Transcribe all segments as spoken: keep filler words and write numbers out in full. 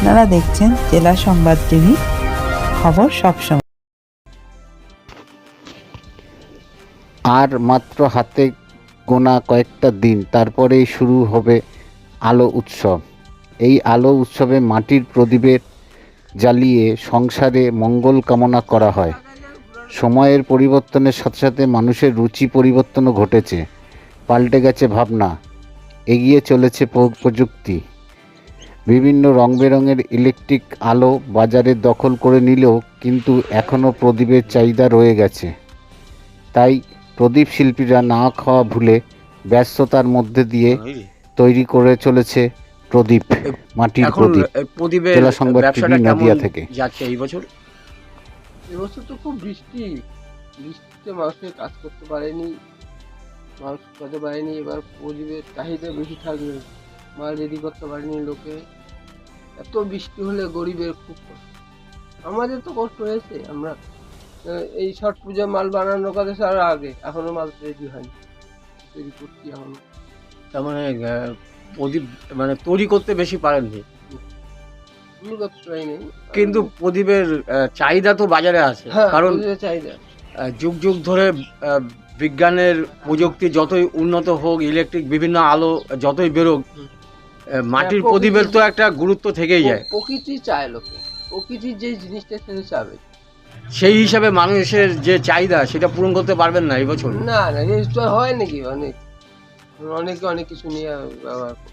আপনারা দেখছেন জেলা সংবাদ টিভি, খবর সবসময়। আর মাত্র হাতে গোনা কয়েকটা দিন, তারপরেই শুরু হবে আলো উৎসব। এই আলো উৎসবে মাটির প্রদীপের জ্বালিয়ে সংসারে মঙ্গল কামনা করা হয়। সময়ের পরিবর্তনের সাথে সাথে মানুষের রুচি পরিবর্তনও ঘটেছে, পাল্টে গেছে ভাবনা, এগিয়ে চলেছে প্রযুক্তি। বিভিন্ন রং বেরঙের ইলেকট্রিক আলো বাজারে দখল করে নিলেও কিন্তু এখনও প্রদীপের চাহিদা রয়ে গেছে। তাই প্রদীপ শিল্পীরা না খাওয়া ভুলে ব্যস্ততার মধ্যে দিয়ে তৈরি করে চলেছে প্রদীপ, মাটির প্রদীপ। জেলা সংবাদ টিভি নদিয়া থেকে। যাচ্ছে এই বছর এবছর তো খুব বৃষ্টি বৃষ্টিতে মানুষের কাজ করতে পারেনি, মানুষ করতে পারেনি। এবার প্রদীপের চাহিদা বেশি থাকবে, মাল রেডি করতে পারেনি লোকে। এত বৃষ্টি হলে গরিবের খুব কষ্ট, আমাদের তো কষ্ট হয়েছে। আমরা এই ছট পূজা মাল বানানোর কথা আর আগে, এখনো মাল রেডি হয়নি, তৈরি করছি এখনো। তার মানে প্রদীপ মানে তৈরি করতে বেশি পারেননি, কিন্তু প্রদীপের চাহিদা তো বাজারে আছে। কারণ চাহিদা যুগ যুগ ধরে বিজ্ঞানের প্রযুক্তি যতই উন্নত হোক, ইলেকট্রিক বিভিন্ন আলো যতই বেরোক, মাটির প্রদীপের তো একটা গুরুত্ব থেকেই যায়। প্রকৃতি চায়, লোকে প্রকৃতির যে জিনিসটা সেটা চাবে। সেই হিসাবে মানুষের যে চাহিদা সেটা পূরণ করতে পারবেন না এই বছর? না না, তো হয় নাকি, অনেক অনেকে অনেক কিছু নিয়ে ব্যবহার করে।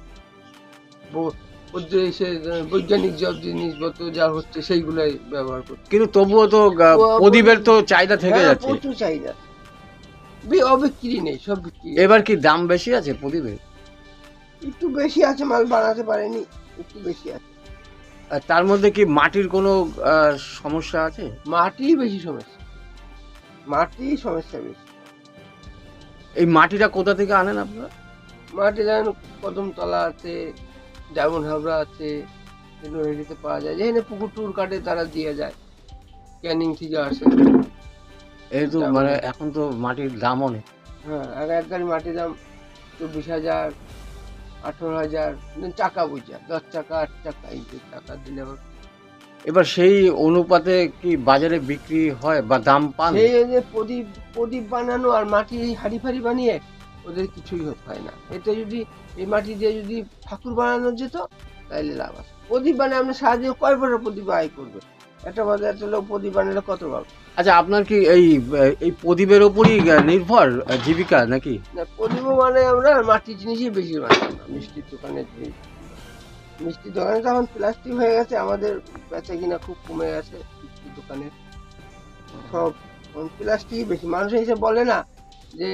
বৈজ্ঞানিক সব জিনিসপত্র যা হচ্ছে সেইগুলাই ব্যবহার করছে, কিন্তু তবুও তো প্রদীপের তো চাহিদা থেকে যাচ্ছে। প্রচুর চাহিদা, অবিক্রি নেই, সব বিক্রি। এবার কি দাম বেশি আছে প্রদীপের? একটু বেশি আছে, মাল বানাতে পারেনি, একটু বেশি আছে। তার মধ্যে কি মাটির কোনো সমস্যা আছে? মাটি বেশি সমস্যা, মাটি সমস্যা বেশি। এই মাটিটা কোথা থেকে আনেন আপনারা? মাটি যেমন কদমতলা আছে, ডায়মন্ড হাবড়া আছে, নদীতে পাওয়া যায়। যেখানে পুকুর টুর কাটে তারা দিয়ে যায়, ক্যানিং থেকে আসে। এই তো মানে এখন তো মাটির দাম অনেক। হ্যাঁ, আগে এক গাড়ি মাটির দাম চব্বিশ হাজার, আঠারো হাজার, চাকা বুঝা দশ চাকা আট চাকা এই যে টাকা দিলে। এবার সেই অনুপাতে কি বাজারে বিক্রি হয় বা দাম পান? সেই যে প্রদীপ প্রদীপ বানানো আর মাটির হাড়ি ফাড়ি বানিয়ে ওদের কিছুই হয় না। এটা যদি এই মাটি দিয়ে যদি ঠাকুর বানানো যেত তাহলে লাভ আছে। প্রদীপ বানিয়ে আপনি সাহায্যে কয় বড় প্রদীপ আয় করবে, একটা বাজার লোক প্রদীপ বানালে কত পাবে? আচ্ছা, আপনার কি এই এই প্রদীপের ওপরই নির্ভর জীবিকা নাকি? না, প্রদীপও মানে আমরা মাটির জিনিসই বেশি বানাই না। মিষ্টির দোকানের জিনিস, মিষ্টির দোকানে তখন প্লাস্টিক হয়ে গেছে, আমাদের বেচা কিনা খুব কমে গেছে। মিষ্টির দোকানে সব প্লাস্টিক বেশি। মানুষ এসে বলে না যে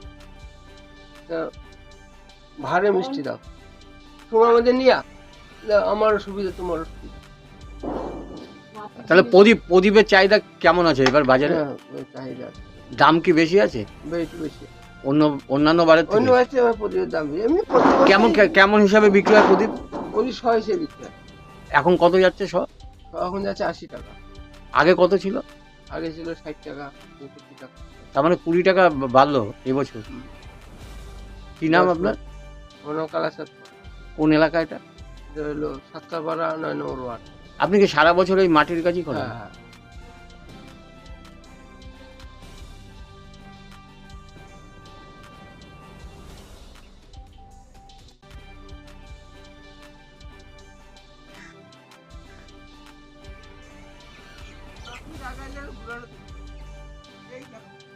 ভারে মিষ্টি দাও, তোমার মধ্যে নিয়া আমারও সুবিধা তোমারও সুবিধা। তাহলে প্রদীপ প্রদীপের চাহিদা কেমন আছে এবার বাজারে? চাহিদা দাম কি বেশি আছে? বেশি বেশি অন্য অন্যান্য বারের থেকে? অন্য বারে প্রদীপের দাম বেশি। এমনি কেমন কেমন হিসাবে বিক্রি হয় প্রদীপ? প্রদীপ শো হিসেবে বিক্রি হয়। এখন কত যাচ্ছে শো? এখন যাচ্ছে আশি টাকা। আগে কত ছিল? আগে ছিল ষাট টাকা, পঁয়ষট্টি টাকা। তার মানে কুড়ি টাকা বাড়লো এবছর। কি নাম আপনার? মনোকালা সাত। কোন এলাকা এটা? এটা হলো সাতকাপাড়া নয় নম্বর ওয়ার্ড। আপনি কি সারা বছর এই মাটির কাজই করেন? হ্যাঁ হ্যাঁ। এই